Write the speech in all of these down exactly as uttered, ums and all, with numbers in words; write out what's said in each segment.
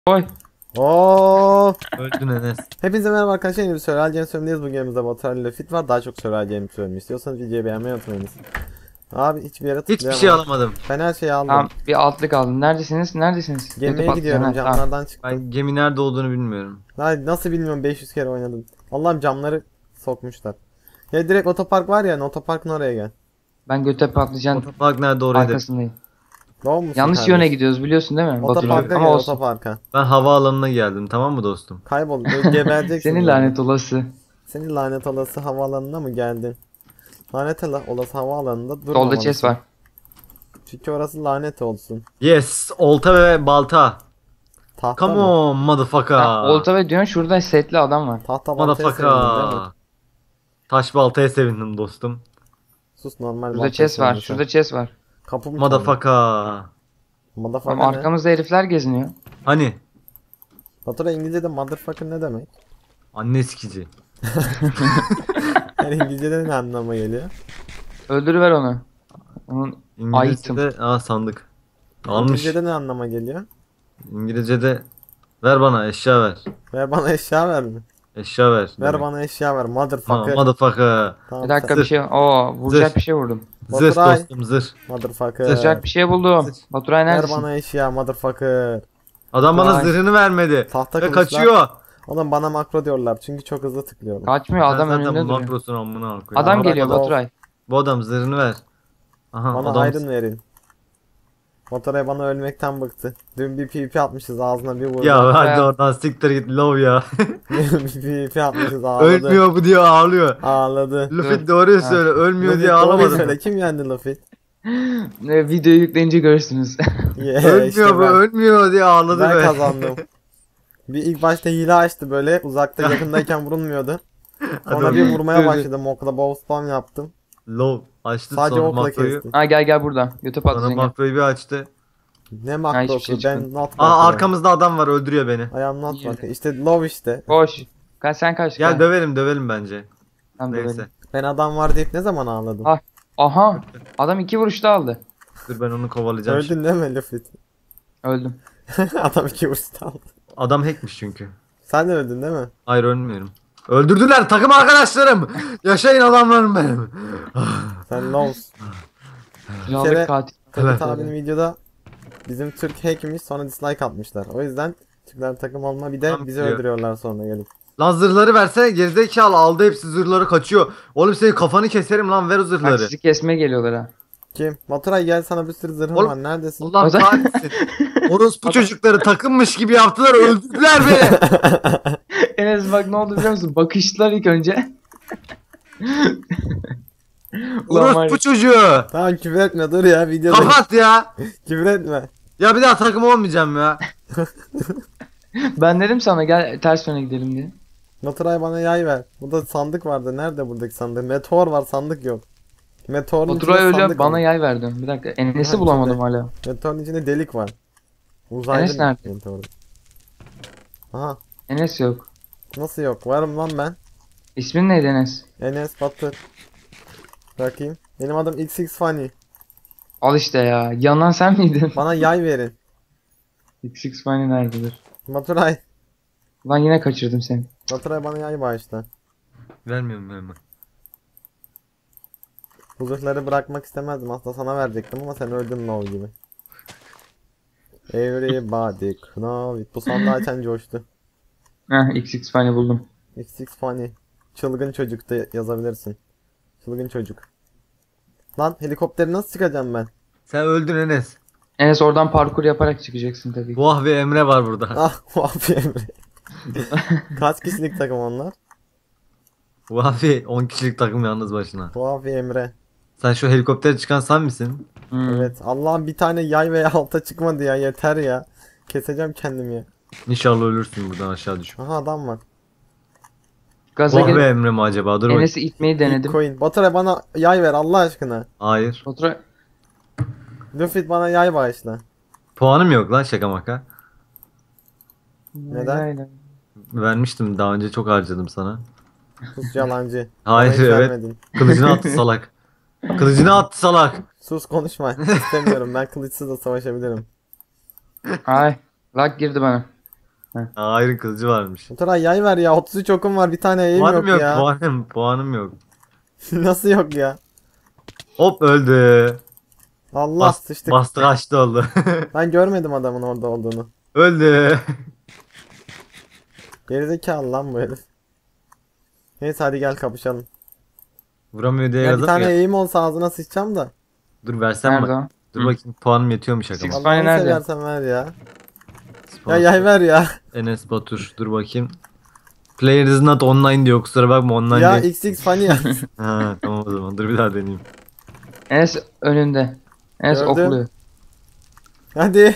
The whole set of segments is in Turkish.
Oy. Oo. Öldün Enes. Hepinize merhaba arkadaşlar. Yeni bir Survival Games bölümündeyiz. Bugün yanımızda Batuhan ile Fit var. Daha çok Survival Games bölümü istiyorsanız videoyu beğenmeyi unutmayınız. Abi hiçbir yere Hiçbir tıklayamam. şey alamadım. Ben her şeyi aldım. Tamam, bir altlık aldım. Neredesiniz? Neredesiniz? Gemiye Kötü gidiyorum, patlayan, ha, camlardan çıktım. Ben gemi nerede olduğunu bilmiyorum. Daha nasıl bilmiyorum, beş yüz kere oynadım. Allah'ım, camları sokmuşlar. Ya direkt otopark var ya, otoparkın oraya gel. Tamam. Ben göte patlıcan Otopark nerede oraya da. arkasındayım. Doğru musun Yanlış kardeşim? yöne gidiyoruz biliyorsun değil mi? Otoparka Batucuğum? gel, Ama olsun. otoparka. Ben havaalanına geldim, tamam mı dostum? Kaybol, böyle gebereceksin. Senin yani. lanet olası. Senin lanet olası havaalanına mı geldin? Lanet ola- olası havaalanında Solda durmamalısın. chest var. Çünkü orası lanet olsun. Yes, olta ve balta. Tahta Come mı? on motherfucker. Ha, olta ve diyorsun şurada setli adam var. Tahta baltaya sevindin değil mi? Motherfucker. Taş baltaya sevindim dostum. Sus, normal Şurada baltaya chest var. sevindin sen. Şurada chest var. Kapı mı çaldı? Motherfucker. Motherfucker Tamam, ne? arkamızda herifler geziniyor. Hani? Fatura İngilizce'de motherfucker ne demek? Anne sikici. Yani İngilizce'de ne anlama geliyor? Öldürüver onu. Onun İngilizce'de aa sandık. Almış. İngilizce'de ne anlama geliyor? İngilizce'de ver bana eşya ver. Ver bana eşya ver mi? Eşya ver. Ver demek. bana eşya ver, Ha, motherfucker. motherfucker. Tamam, bir dakika sen- bir şey. Oo, vuracak Zırh. bir şey vurdum. Zırh Baturay. dostum zırh. Motherfucker. Vuracak bir şey buldum. Zırh. Baturay Ver neredesin? bana eşya, motherfucker. Adam bana Vay. zırhını vermedi. Tahta Ve kılıçlar. kaçıyor. Oğlum bana makro diyorlar çünkü çok hızlı tıklıyorum. Kaçmıyor, Sen adam zaten önünde duruyor. makrosun amına koyayım. Adam Bana geliyor bak, Baturay. Bu adam zırhını ver. Aha Bana adam. aydın verin. Baturay bana ölmekten bıktı. Dün bir P V P atmışız, ağzına bir vurdu. Ya hadi Ya. oradan siktir git love ya. Bir P V P atmışız, ağladı. Ölmüyor bu diye ağlıyor. Ağladı. Luffy doğruyu Ha. söyle ölmüyor Luffy, diye doğruyu ağlamadı. söyle, kim yendi Luffy? Ne, videoyu yükleyince görürsünüz. Yeah, Ölmüyor işte bu ben, ölmüyor diye ağladı ben be. kazandım. Bir ilk başta hile açtı, böyle uzakta yakındayken vurulmuyordu. Sonra Adam- bir vurmaya Dur, dur. başladım, okla bow spam yaptım. Love açtı Sadece sonra okla makroyu. kestim. Ha gel gel burada. Göte Sonra patlıcan gel. makroyu bir açtı. Ne hiçbir makrosu, şey ben çıkmadı. not Aa makro. arkamızda adam var öldürüyor beni. I am not İyi. makro. İşte love işte. Koş. Kaç sen kaç. Gel dövelim dövelim bence. Tamam, Neyse. dövelim. Ben adam var deyip ne zaman ağladım? Ah. Aha. Adam iki vuruşta aldı. Dur ben onu kovalayacağım. şimdi. Öldün değil mi Luffy? Öldüm. Adam iki vuruşta aldı. Adam hackmiş çünkü. Sen de öldün değil mi? Hayır ölmüyorum. Öldürdüler takım arkadaşlarım. Yaşayın adamlarım benim. Sen love's. Kiralık kere- katil. Tabii Evet. abinin videoda bizim Türk hackmiş, sonra dislike atmışlar. O yüzden Türkler takım olma, bir de Tam bizi biliyor. öldürüyorlar sonra gelip. Lan zırhları versene gerizekalı aldı hepsi zırhları kaçıyor. Oğlum senin kafanı keserim lan ver o Bak zırhları. sizi kesmeye geliyorlar ha. Kim? Baturay gel, sana bir sürü zırhım Oğlum, var, neredesin? Allah O zaman- kahretsin. Orospu çocukları takımmış gibi yaptılar öldürdüler beni. Enes bak ne oldu biliyor musun? Bakıştılar ilk önce. Ulan var ya. Orospu çocuğu. Tamam, küfür etme, dur ya, videoda Kapat ya. küfür etme. Ya bir daha takım olmayacağım ya. Ben dedim sana gel ters yöne gidelim diye. Baturay bana yay ver. Burada sandık vardı. Nerede buradaki sandık? Meteor var, sandık yok. Meteorun Baturay içinde öyle sandık bana var. yay verdi. Bir dakika Enes'i Ha, bulamadım içinde. hala. Meteorun içinde delik var. Uzaylı Enes nerede? meteor. Aha, Enes yok. nasıl yok? Varım lan ben. İsmin neydi Enes? Enes Batur. Bakayım. Benim adım X X Funny. Al işte ya. Yanan sen miydin? Bana yay verin. X X Funny nerededir? Baturay. Lan yine kaçırdım seni. Baturay bana yay bağışla. Vermiyorum verme. Bu zırhları bırakmak istemezdim. Aslında sana verecektim ama sen öldün lol gibi. Everybody know it. Bu sandığı açan coştu. Heh X X Funny buldum. X X Funny. Çılgın çocuk da yazabilirsin. Çılgın çocuk. Lan helikopteri nasıl çıkacağım ben? Sen öldün Enes. Enes oradan parkur yaparak çıkacaksın tabii. Vah ve Emre var burada. Ah, Vafi Emre. Kaç kişilik takım onlar? Vafi on kişilik takım yalnız başına. Vafi Emre. Sen şu helikoptere çıkan sen misin? Hmm. Evet. Allah'ım, bir tane yay veya alta çıkmadı ya, yeter ya. Keseceğim kendimi ya. İnşallah ölürsün buradan aşağı düşüp. Aha, adam var. Gaza Vah ve gelip Emre mi acaba? Dur bakayım. Enes'i itmeyi denedim. Coin. Baturay bana yay ver Allah aşkına. Hayır. Baturay Luffy bana yay bağışla. Puanım yok lan şaka maka. Neden? Aynen. Vermiştim daha önce çok harcadım sana. Sus yalancı. Hayır Bana hiç evet. vermedin. Kılıcını attı salak. Kılıcını attı salak. Sus, konuşma. İstemiyorum. Ben kılıçsız da savaşabilirim. Ay lag girdi bana. Aa, Iron kılıcı varmış. Baturay yay ver ya. otuz üç okum var. Bir tane yayım Puanım yok, yok, ya. puanım, puanım yok. Nasıl yok ya? Hop öldü. Allah Bas, sıçtık. bastı kaçtı oldu. Ben görmedim adamın orada olduğunu. Öldü. Gerizekalı lan bu herif. Neyse hadi gel kapışalım. Vuramıyor diye Ya bir yazdım tane ya. eğim olsa ağzına sıçacağım da. Dur versem Nerede bak. o? Dur Hı. bakayım puanım yetiyormuş Six- aklıma. Fani Allah'ını nerede? seversen ver ya. Ya Sponsor. yay ver ya. Enes Batur. Dur bakayım. Player is not online diyor. Kusura bakma online Ya değil. X X Funny yaz. Ha tamam o zaman. Dur bir daha deneyeyim. Enes önünde. Enes Gördüm. okluyor. Hadi.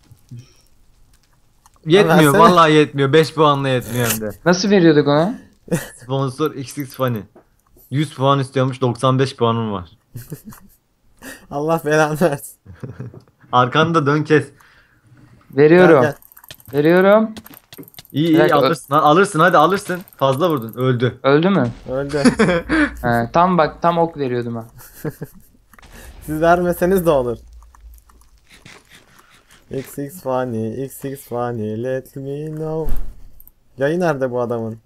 Yetmiyor. versene. Vallahi yetmiyor. beş puanla yetmiyor hem de. Nasıl veriyorduk ona? Sponsor X X Funny. yüz puan istiyormuş. doksan beş puanım var. Allah belanı versin. Arkanda dön kes. Veriyorum. Gel, Veriyorum. İyi Bir iyi dakika, ö- alırsın. Ha, alırsın hadi alırsın. Fazla vurdun. Öldü. Öldü mü? gel. Öldü. He, tam bak tam ok veriyordum ha. Siz vermeseniz de olur. X X Funny, X X Funny, let me know. Yayı nerede bu adamın?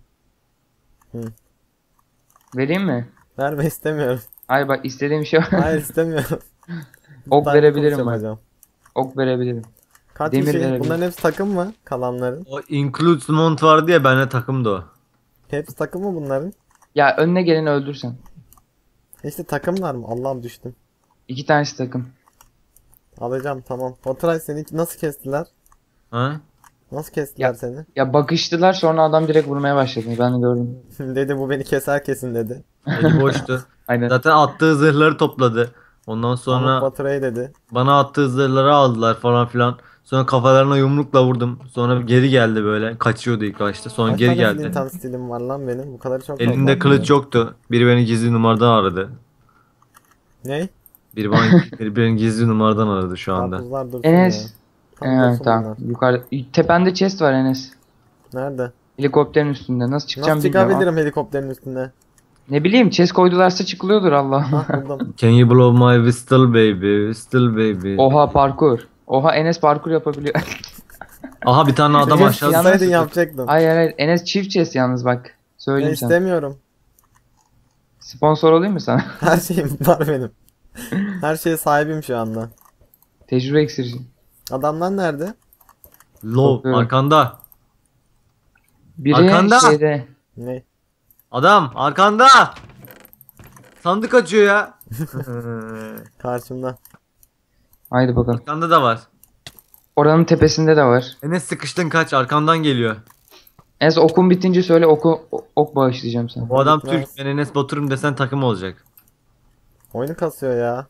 Vereyim mi? Verme istemiyorum. Ay bak istediğim şey var. Hayır istemiyorum. Ok Ben verebilirim kılıç bak. yapacağım. Ok verebilirim. Kaç Demir kişi? verebilirim. Bunların hepsi takım mı? Kalanların. O includes mont vardı ya bende takımdı o. Hepsi takım mı bunların? Ya önüne geleni öldürsen. İşte takımlar mı? Allah'ım düştüm. İki tanesi takım. Alacağım tamam. Baturay seni nasıl kestiler? Ha? Nasıl kestiler Ya- seni? Ya bakıştılar sonra adam direkt vurmaya başladı. Ben de gördüm. Dedi bu beni keser kesin dedi. Eli boştu. Aynen. Zaten attığı zırhları topladı. Ondan Sonra sonra Baturay dedi. bana attığı zırhları aldılar falan filan. Sonra kafalarına yumrukla vurdum. Sonra geri geldi böyle. Kaçıyordu ilk başta. Sonra Kaç geri tane geldi. Flint and Steel'im var lan benim? Bu kadar çok Elinde yok. kılıç yoktu. Biri beni gizli numaradan aradı. Ne? Biri bana biri beni gizli numaradan aradı şu anda. Karpuzlar dursun Enes. ya. Tam Evet dursun tamam. bunlar. Yukarıda. Tepende chest var Enes. Nerede? Helikopterin üstünde. Nasıl çıkacağım Nasıl bilmiyorum. ama- çıkabilirim helikopterin üstüne? Ne bileyim chest koydularsa çıkılıyordur Allah. Hah buldum. Can you blow my whistle baby? Whistle baby. Oha parkur. Oha Enes parkur yapabiliyor. Aha bir tane adam Chest aşağıda. yalnız- Yapsaydın yapacaktım. Hayır hayır Enes çift chest yalnız bak. Ben Söyleyeyim sana. istemiyorum. Sponsor olayım mı sana? Her şeyim var benim. Her şeye sahibim şu anda. Tecrübe iksirci. Adamlar nerede? Low Korkuyorum. arkanda. Biri Arkanda. şeyde. Ne? Adam arkanda. Sandık açıyor ya. Karşımda. Haydi bakalım. Arkanda da var. Oranın tepesinde de var. Enes sıkıştın kaç arkandan geliyor. Enes okun bitince söyle oku o- ok bağışlayacağım sana. Bu adam Gitmez. Türk. Ben Enes Batur'um desen takım olacak. Oyunu kasıyor ya.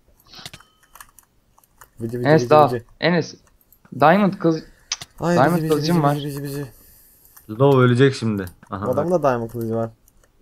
Bici bici Enes bici dal. bici. Enes. Diamond kız. Ay Diamond bici bici kılıcım bici var. bici bici bici. Low ölecek şimdi. Aha. Adamın da diamond kılıcı var.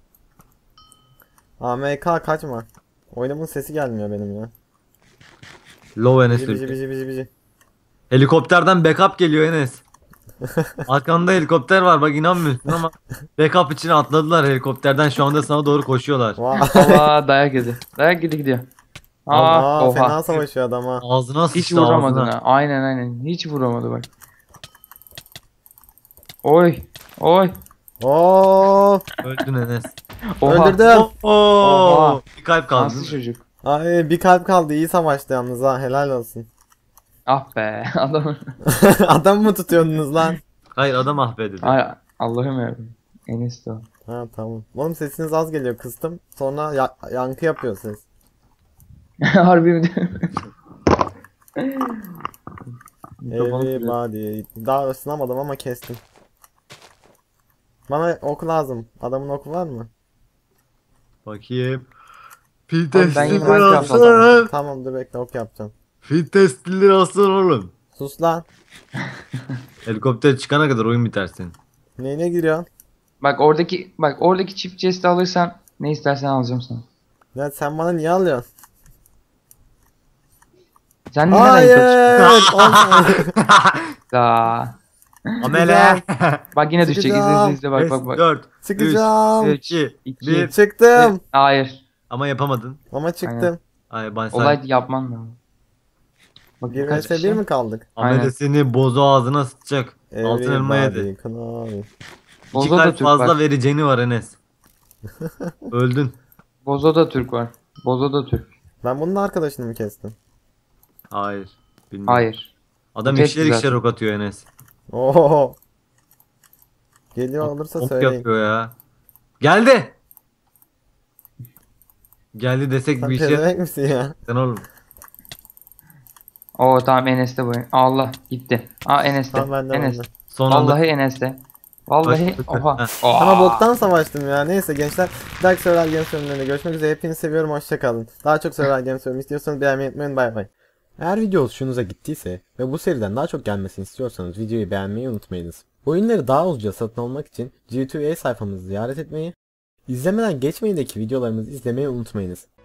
A M K kaçma. Oyunun sesi gelmiyor benim ya. Low Enes Bici bici ölecek. bici bici bici. Helikopterden backup geliyor Enes. Arkanda helikopter var bak inanmıyorsun ama backup için atladılar helikopterden şu anda sana doğru koşuyorlar. Vay. Allah dayak yedi. Dayak yedi gidiyor. Aa, Aa, oha. fena savaşıyor adam ha. Ağzına Hiç sıçtı vuramadın ağzına. ha. Aynen aynen. Hiç vuramadı bak. Oy. Oy. Oo! Öldün Enes. Oha. Öldürdüm. Oo, Oha. bir kalp kaldı. Nasıl çocuk? Ay bir kalp kaldı. İyi savaştı yalnız ha. Helal olsun. Ah be adam. Adam mı tutuyordunuz lan? Hayır adam ahbe dedi. Ay Allah'ım yarabbim. Enes de o. Ha tamam. Oğlum sesiniz az geliyor kıstım. Sonra ya- yankı yapıyor ses. Harbi mi diyorum? Mikrofonu kırıyor. Everybody. Daha ısınamadım ama kestim. Bana ok lazım. Adamın oku var mı? Bakayım. Fil ben yine testliler Minecraft alsana. Tamam dur bekle ok yapacağım. Fil testliler alsana oğlum. Sus lan. Helikopter çıkana kadar oyun biter senin. Neyine giriyorsun? Bak oradaki bak oradaki çift chest'i alırsan ne istersen alacağım sana. Ya sen bana niye alıyorsun? Sen neden yukarı Hayır. Olma. Aa. Amele. Bak yine düşecek izle izle izle bak bak bak. dört, Çıkacağım. üç, iki, iki. bir. Çıktım. Hayır. Ama yapamadın. Ama çıktım. Ay ben Olay sen. yapman lazım. Bak Bir kaç vs bir kişi? mi kaldık? Amele Aynen. seni bozu ağzına sıçacak. Altın elma yedi. Everybody Kınavi. İki Bozo'da kalp Türk fazla var. vereceğini var Enes. Öldün. Bozo'da Türk var. Bozo'da Türk. Ben bunun arkadaşını mı kestim? Hayır. Bilmiyorum. Hayır. Adam Bu ikişer tek ikişer zaten. ok atıyor Enes. Oo. Geliyor olursa Ok söyleyin. yapıyor ya. Geldi. Geldi desek Sen bir işe pezevenk misin ya? sen oğlum. Oo tamam Enes'te bu. Allah gitti. Aa Enes'te. Tamam bende Enes. bende. Son anda. Vallahi Enes'te. Vallahi Başladık. oha. Heh. Ama Aa! boktan savaştım ya. Neyse gençler. Bir dahaki Survival Games bölümlerinde görüşmek üzere. Hepinizi seviyorum. Hoşçakalın. Daha çok Survival Games bölümü istiyorsanız beğenmeyi unutmayın. Bay bay. Eğer video hoşunuza gittiyse ve bu seriden daha çok gelmesini istiyorsanız videoyu beğenmeyi unutmayınız. Oyunları daha ucuza satın almak için G iki A sayfamızı ziyaret etmeyi, izlemeden geçmeyindeki videolarımızı izlemeyi unutmayınız.